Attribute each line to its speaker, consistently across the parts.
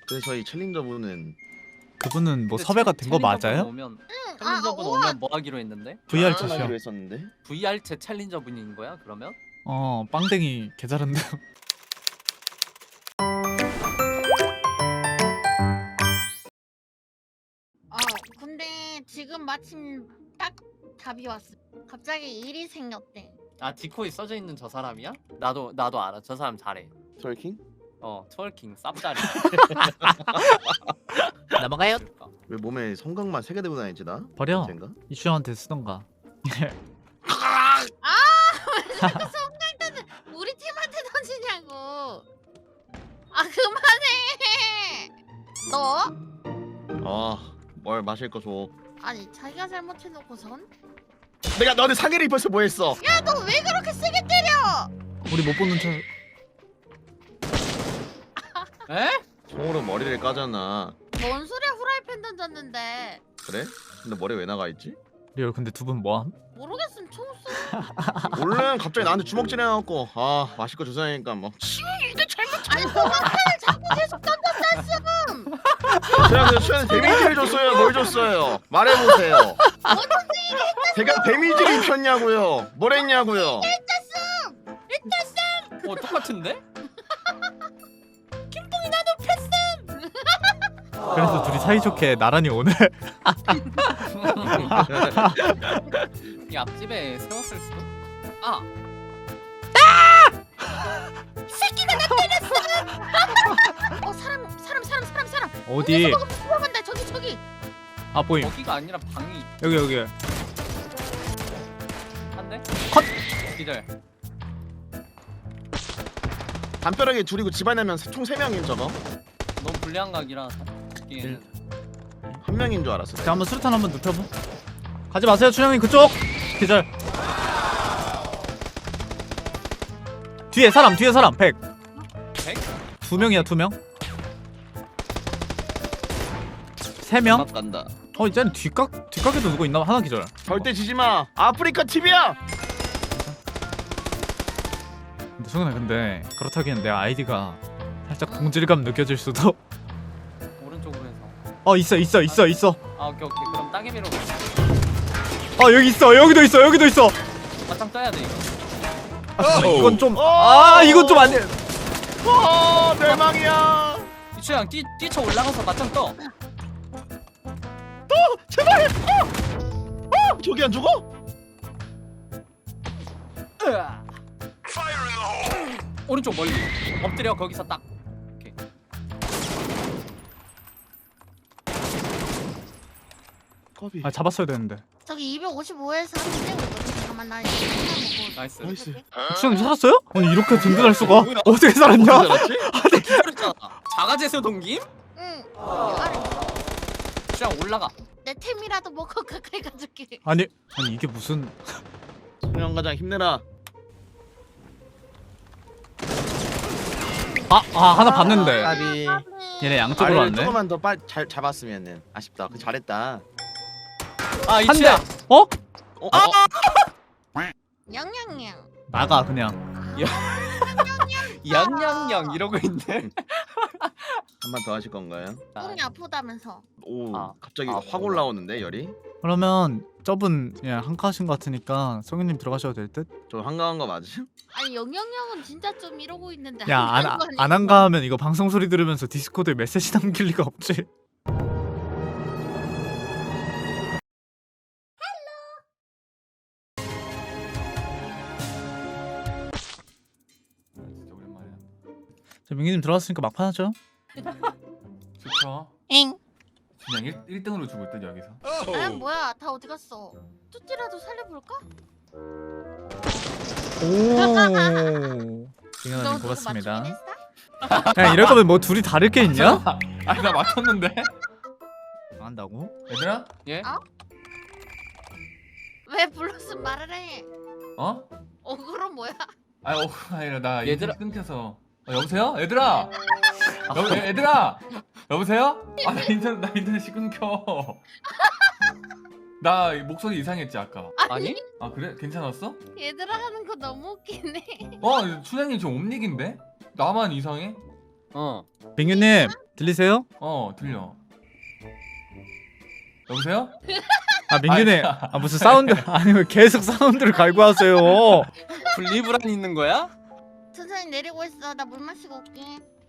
Speaker 1: 그래서 저희 챌린저분은
Speaker 2: 그분은 뭐 섭외가 된 거 맞아요?
Speaker 3: 챌린저분 오면 뭐 하기로 했는데?
Speaker 2: VR
Speaker 1: 하기로
Speaker 2: 채시요.
Speaker 1: 했었는데.
Speaker 3: VR 채 챌린저분인 거야 그러면?
Speaker 2: 빵댕이 개잘한데.
Speaker 4: 근데 지금 마침 딱 답이 왔어. 갑자기 일이 생겼대.
Speaker 3: 아 디코에 써져 있는 저 사람이야? 나도 알아. 저 사람 잘해.
Speaker 1: 트월킹?
Speaker 3: 트월킹 쌉짜리.
Speaker 2: 넘어가요.
Speaker 1: 왜 몸에 성각만 3개 들고 다니지 나?
Speaker 2: 버려.
Speaker 1: 쟤인가?
Speaker 2: 이슈한테 쓰던가.
Speaker 4: 왜 자꾸 성갈때는 우리 팀한테 던지냐고. 그만해. 너?
Speaker 1: 뭘 마실 거 줘.
Speaker 4: 아니 자기가 잘못해놓고선?
Speaker 1: 내가 너한테 상해를 입혀서 뭐 했어?
Speaker 4: 야 너 왜 그렇게 세게 때려?
Speaker 2: 우리 못 보는 척.
Speaker 3: 에?
Speaker 1: 총으로 머리를 까잖아.
Speaker 4: 뭔 소리야 후라이팬 던졌는데.
Speaker 1: 그래? 근데 머리 왜 나가 있지?
Speaker 2: 리얼 근데 두 분 뭐함?
Speaker 4: 모르겠으면 총 쏘.
Speaker 1: 얼른 갑자기 나한테 주먹질 해갖고 마실 거 주사니까 뭐
Speaker 4: 아니 소방탄을 자꾸 계속 던졌었음.
Speaker 1: 제가 그 수현이 데미지를 줬어요? 뭘 줬어요? 말해보세요. 제가 데미지를 입혔냐고요? 뭘 했냐고요?
Speaker 3: 똑같은데?
Speaker 2: 그래서 둘이 사이좋게 나란히 오늘.
Speaker 3: 이 앞집에 세웠을 수도?
Speaker 4: 사람.
Speaker 2: 어디?
Speaker 4: 들어간다 저기.
Speaker 2: 아 보임.
Speaker 3: 거기가 아니라 방이
Speaker 2: 여기.
Speaker 3: 한데?
Speaker 2: 컷!
Speaker 3: 기절.
Speaker 1: 담벼락에 둘이고 집안에면 총 3명인 저거?
Speaker 3: 너무 불리한 각이라 듣기에는.
Speaker 1: 한 명인 줄 알았어.
Speaker 2: 자 한번 수류탄 한번 눕혀보. 가지 마세요 춘향님 그쪽. 기절. 뒤에 사람 100.
Speaker 3: 100?
Speaker 2: 2명이야 2명. 3명?
Speaker 1: 막 간다.
Speaker 2: 이제는 뒷각에도 누구 있나? 하나 기절.
Speaker 1: 절대 지지 마. 아프리카 TV야.
Speaker 2: 근데 승훈아 근데 그렇다기엔 내 아이디가 살짝 동질감 느껴질 수도.
Speaker 3: 오른쪽으로 해서.
Speaker 2: 있어.
Speaker 3: 오케이. 그럼 따개비로
Speaker 2: 여기 있어. 여기도 있어.
Speaker 3: 맞짱 떠야 돼 이거.
Speaker 2: 잠깐만, 이건 좀. 이건 좀 안 돼.
Speaker 1: 멸망이야.
Speaker 3: 이추양 뛰쳐 올라가서 맞짱 떠.
Speaker 1: 제발. 저기 안 죽어?
Speaker 3: 오른쪽 멀리. 엎드려 거기서 딱. 오케이.
Speaker 1: 커비.
Speaker 2: 잡았어야 되는데.
Speaker 4: 저기 255에서 한대 떼고 있거든. 잠깐만 나 이거 하나
Speaker 3: 나이스.
Speaker 1: 나이스.
Speaker 2: 추장님 살았어요? 아니 이렇게 든든할 수가.
Speaker 3: 뭐야?
Speaker 2: 어떻게 살았냐?
Speaker 1: 잘했지?
Speaker 3: 기절했잖아. 자가제수 동김?
Speaker 4: 응. 아래.
Speaker 3: 이추양 올라가.
Speaker 4: 내 템이라도 먹고 가까이 가줄게.
Speaker 2: 아니 이게 무슨.
Speaker 1: 소년가장 힘내라.
Speaker 2: 하나 봤는데.
Speaker 1: 까비.
Speaker 2: 얘네 양쪽으로
Speaker 1: 아래를
Speaker 2: 왔네.
Speaker 1: 조금만 더 빨리 잘 잡았으면은 아쉽다. 그 잘했다.
Speaker 2: 한 대.
Speaker 3: 이추양.
Speaker 4: 냥냥냥.
Speaker 2: 나가 그냥.
Speaker 3: 양양양 이러고 있네.
Speaker 1: 한 번 더 하실 건가요?
Speaker 4: 몸이 아프다면서.
Speaker 1: 오,
Speaker 3: 아.
Speaker 1: 갑자기 확 올라오는데 열이?
Speaker 2: 그러면 저분 그냥 한가하신 것 같으니까 성윤님 들어가셔도 될 듯?
Speaker 1: 저 한가한 거 맞으죠?
Speaker 4: 아니 영영영은 진짜 좀 이러고 있는데.
Speaker 2: 야
Speaker 4: 한가한 거 아니야?
Speaker 2: 안 한가하면 이거 방송 소리 들으면서 디스코드에 메시지 남길 리가 없지.
Speaker 5: 진짜 오랜만이야.
Speaker 2: 자 민기님 들어왔으니까 막판 하죠.
Speaker 5: 좋죠.
Speaker 4: 엥.
Speaker 5: 그냥 1등으로 죽을 듯 여기서.
Speaker 4: 뭐야 다 어디 갔어? 뚜띠라도 살려볼까?
Speaker 2: 오. 징현아님
Speaker 4: 너 누구
Speaker 2: 고맙습니다.
Speaker 4: 맞추긴 했어?
Speaker 2: 그냥 이럴 거면 뭐 둘이 다를 게 있냐?
Speaker 5: 아니 나 맞췄는데.
Speaker 2: 안 한다고?
Speaker 5: 얘들아?
Speaker 3: 예?
Speaker 4: 왜 불렀으면 말을 해?
Speaker 5: 어?
Speaker 4: 그럼 뭐야?
Speaker 5: 아니라 나
Speaker 3: 얘들아.
Speaker 5: 인터넷 끊겨서. 여보세요? 얘들아. 얘들아. 여보세요? 나 인터넷이 끊겨. 나 목소리 이상했지 아까.
Speaker 3: 아니?
Speaker 5: 아 그래? 괜찮았어?
Speaker 4: 얘들아 하는 거 너무 웃기네.
Speaker 5: 춘향님 지금 옴닉인데? 나만 이상해?
Speaker 3: 어.
Speaker 2: 민규님 들리세요?
Speaker 5: 들려. 여보세요?
Speaker 2: 아 민규네. 아 무슨 사운드 아니 왜 계속 사운드를 갈고 하세요?
Speaker 3: 분리불안 있는 거야?
Speaker 4: 천천히 내리고 있어. 나 물 마시고 올게.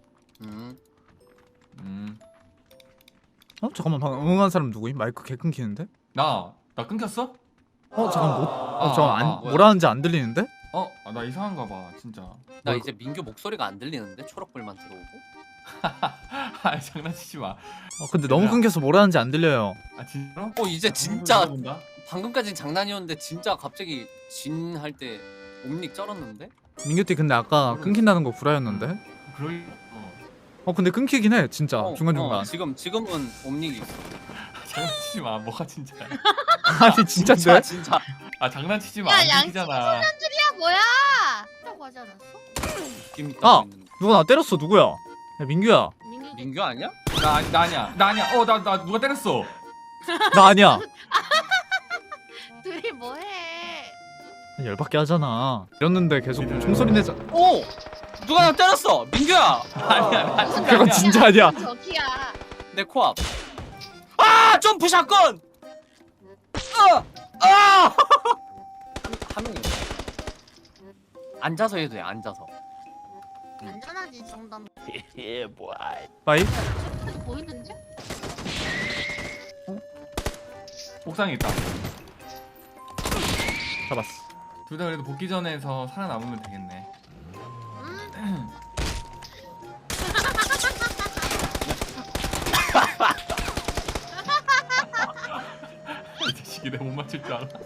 Speaker 2: 어 잠깐만 방금 응한 사람 누구임? 마이크 개 끊기는데?
Speaker 5: 나 끊겼어?
Speaker 2: 잠깐 뭐? 잠깐
Speaker 3: 뭐야?
Speaker 2: 뭐라는지 안 들리는데?
Speaker 5: 나 이상한가 봐 진짜.
Speaker 3: 나 이제 민규 목소리가 안 들리는데 초록불만 들어오고.
Speaker 5: 아 장난치지 마.
Speaker 2: 근데 너무
Speaker 5: 얘들아.
Speaker 2: 끊겨서 뭐라는지 안 들려요.
Speaker 5: 아 진짜로?
Speaker 3: 이제 진짜
Speaker 5: 본다.
Speaker 3: 방금까진 장난이었는데 진짜 갑자기 진 할 때 옴닉 쩔었는데?
Speaker 2: 민규띠 근데 아까 끊긴다는 거 구라였는데?
Speaker 5: 그럴.
Speaker 2: 근데 끊기긴 해 진짜 중간중간.
Speaker 3: 지금은 옴닉이 있어.
Speaker 5: 장난치지 마. 뭐가 진짜야?
Speaker 2: 아니 진짜인데?
Speaker 3: 진짜.
Speaker 5: 아 장난치지 마.
Speaker 4: 야,
Speaker 5: 안
Speaker 4: 양치
Speaker 5: 끊기잖아.
Speaker 4: 야 뭐야? 라고 하지 않았어?
Speaker 3: 느낌 있다.
Speaker 2: 아! 누가 나 때렸어 누구야? 야 민규야.
Speaker 3: 민규 아니야?
Speaker 5: 나 아니야. 나 누가 때렸어?
Speaker 2: 나 아니야.
Speaker 4: 둘이 뭐해?
Speaker 2: 열받게 하잖아. 이랬는데 계속 총소리 내자.
Speaker 3: 오! 누가 나 때렸어! 민규야!
Speaker 5: 아니야 나 진짜
Speaker 2: 그건
Speaker 5: 아니야.
Speaker 2: 진짜 아니야.
Speaker 4: 저기야.
Speaker 3: 내 코앞. 아! 점프 샷건! 아! 한 명이 앉아서 해도 돼. 앉아서.
Speaker 4: 안전하지 이 정도면.
Speaker 2: 빠이.
Speaker 4: 저기 보이는데?
Speaker 5: 옥상에 있다.
Speaker 2: 잡았어.
Speaker 5: 둘 다 그래도 복귀 전에서 살아남으면 되겠네. 이 자식이 내 못 맞출 줄 알아.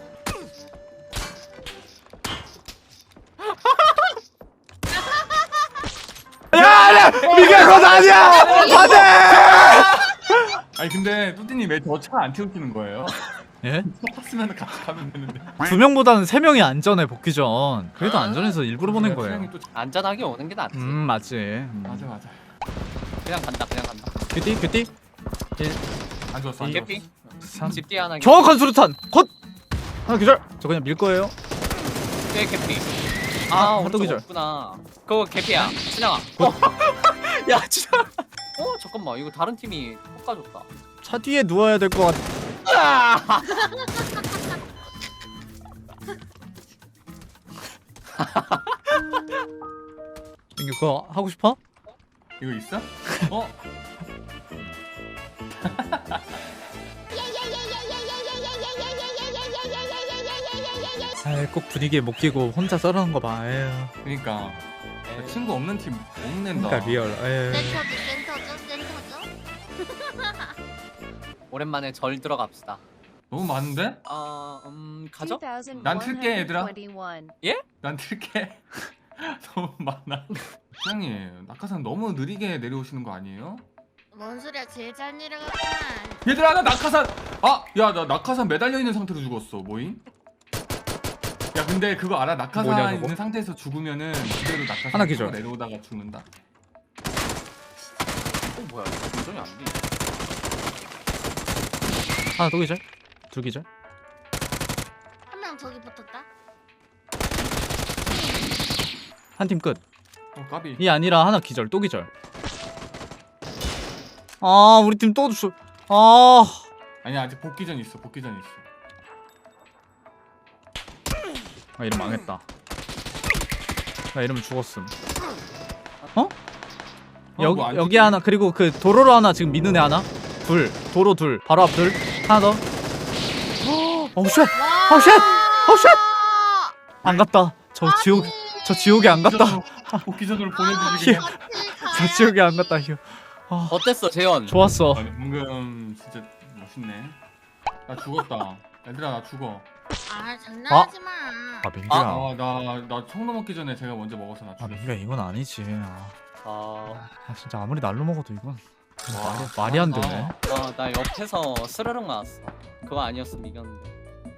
Speaker 2: 야, 민규야 그건 아니야. 안돼.
Speaker 5: 아니 근데 뚜띠님 왜 저 차 안 태우시는 거예요?
Speaker 2: 예?
Speaker 5: 차 탔으면 같이 가면 되는데.
Speaker 2: 2명보다는 3명이 안전해 복귀 전. 그래도 안전해서 일부러 보낸 거예요.
Speaker 5: 수영이 또
Speaker 3: 안전하게 오는 게 낫지.
Speaker 2: 맞지.
Speaker 5: 맞아.
Speaker 3: 그냥 간다.
Speaker 2: 큐띠 큐띠.
Speaker 5: 안 좋았어. 안
Speaker 3: 개피?
Speaker 5: 좋았어.
Speaker 3: 집 뒤에 하나.
Speaker 2: 정확한 수류탄. 컷. 하나 기절. 저 그냥 밀 거예요.
Speaker 3: 뒤에 개피.
Speaker 2: 하도
Speaker 3: 오른쪽
Speaker 2: 기절.
Speaker 3: 없구나. 그거 개피야. 진영아. 야, 진영. 잠깐만. 이거 다른 팀이 볶아줬다.
Speaker 2: 차 뒤에 누워야 될 것 같아.
Speaker 3: 아!
Speaker 2: 민규 그거 하고 싶어?
Speaker 5: 이거 있어?
Speaker 2: 아이 꼭 분위기에 못 끼고 혼자 썰어놓은 거 봐. 에휴.
Speaker 5: 그러니까 친구 없는 팀 못 낸다.
Speaker 2: 그러니까 리얼. 에휴.
Speaker 4: 센터죠.
Speaker 3: 오랜만에 절 들어갑시다.
Speaker 5: 너무 많은데?
Speaker 3: 가죠?
Speaker 5: 난 틀게, 얘들아.
Speaker 6: 2121.
Speaker 5: 난 틀게. 너무 많아. 수영님 낙하산 너무 느리게 내려오시는 거 아니에요?
Speaker 4: 뭔 소리야? 제일 잘 내려갔구만.
Speaker 5: 얘들아 나 낙하산. 야 나 낙하산 매달려 있는 상태로 죽었어. 뭐임? 야 근데 그거 알아? 낙하산
Speaker 2: 뭐냐, 그거?
Speaker 5: 있는 상태에서 죽으면은 그대로 낙하산
Speaker 2: 하나 기절.
Speaker 5: 타고 내려오다가 죽는다.
Speaker 3: 뭐야? 감정이 안 돼.
Speaker 2: 하나 또 기절. 둘 기절.
Speaker 4: 한 명 저기 붙었다.
Speaker 2: 한 팀 끝.
Speaker 5: 까비.
Speaker 2: 이 아니라 하나 기절. 또 기절. 아 우리 팀 또 주. 아.
Speaker 5: 아니 아직 복귀전 있어. 복귀전 있어.
Speaker 2: 아 이러면 망했다. 나 이러면 죽었음. 어?
Speaker 5: 뭐안
Speaker 2: 여기
Speaker 5: 죽이네.
Speaker 2: 하나 그리고 그 도로로 하나 지금 미는 애 하나. 둘. 도로 둘. 바로 앞 둘. 하나 더. 오 쉣.
Speaker 4: 와.
Speaker 2: 쉣. 쉣. 안 갔다. 저 지옥에 안 갔다.
Speaker 5: 복귀전으로 보내주지 그냥.
Speaker 2: 저 지옥에 안 갔다. 휴.
Speaker 3: 어땠어, 재현?
Speaker 2: 좋았어.
Speaker 5: 아니, 방금 진짜 멋있네. 나 죽었다. 얘들아 나 죽어.
Speaker 4: 아 장난하지 마.
Speaker 2: 아 민규야.
Speaker 5: 나 총 넘었기 전에 제가 먼저 먹어서 나
Speaker 2: 아
Speaker 5: 죽었어.
Speaker 2: 민규야 이건 아니지.
Speaker 3: 아,
Speaker 2: 진짜 아무리 날로 먹어도 이건
Speaker 5: 와,
Speaker 2: 말이 안 되네.
Speaker 3: 나 옆에서 스르륵 나왔어. 그거 아니었으면 이겼는데.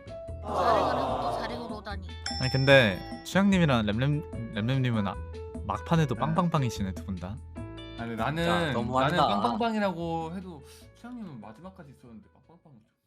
Speaker 4: 자랭으로 오다니.
Speaker 2: 아니 근데 수양님이랑 램램님은 막판에도 빵빵빵이시네 두 분 다.
Speaker 5: 아니
Speaker 3: 진짜
Speaker 5: 나는
Speaker 3: 너무하다.
Speaker 5: 빵빵빵이라고 해도 수장님은 마지막까지 있었는데 빵빵빵.